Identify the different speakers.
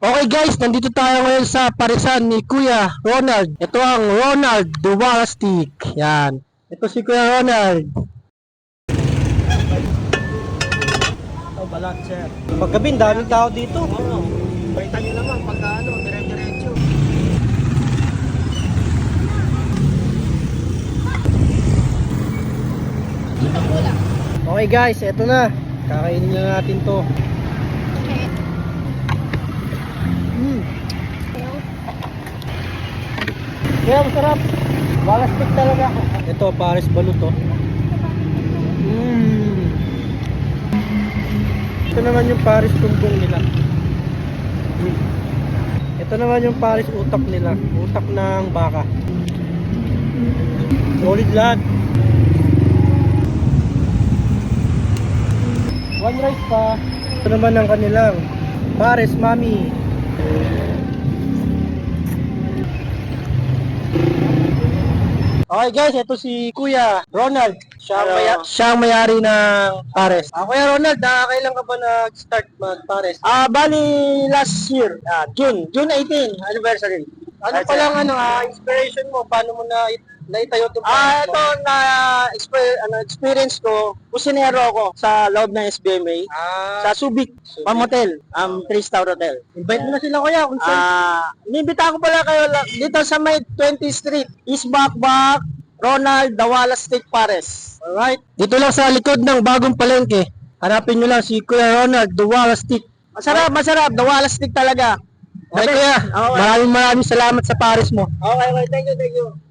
Speaker 1: Okay guys, nandito tayo ngayon sa parisan ni Kuya Ronald. Ito ang Ronald Duwala Stick. Yan. Ito si Kuya Ronald.
Speaker 2: Oh, balat, sir. Paggabi, daming tao dito.
Speaker 1: Oo. Balitan nyo naman pagka dire-diretso.
Speaker 2: Okay guys, eto na. Kakainin na natin to. Kaya masarap. Balastik talaga. Ito, Paris Balut to. Ito naman yung Paris tumbong nila. Ito naman yung Paris utak nila. Utak ng baka. Solid lahat. One rice pa. Ito naman ang kanilang Paris Mami.
Speaker 1: Okay guys, ito si Kuya Ronald.
Speaker 2: Hello.
Speaker 1: Siya ang may-ari ng Pares. Kuya Ronald, kailan ka ba nag-start mag-Pares?
Speaker 2: Bali last year, June 18 anniversary.
Speaker 1: Ano pa lang inspiration mo? Paano mo naitayo itong Pares
Speaker 2: Ito
Speaker 1: mo?
Speaker 2: na experience ko, kusinero ako sa loob ng SBMA sa Subic Pamotel, 3-star hotel.
Speaker 1: Invite mo na sila kuya kung saan.
Speaker 2: Nibita ko pala kayo dito sa may 20th Street, East Bakbak, Ronald Duwala Stick Pares.
Speaker 1: Alright. Dito lang sa likod ng bagong palengke. Hanapin nyo lang si Kuya Ronald Duwala Stick.
Speaker 2: Masarap, Duwala Stick talaga.
Speaker 1: Okay kuya,
Speaker 2: Okay.
Speaker 1: maraming salamat sa Pares mo.
Speaker 2: Okay, thank you.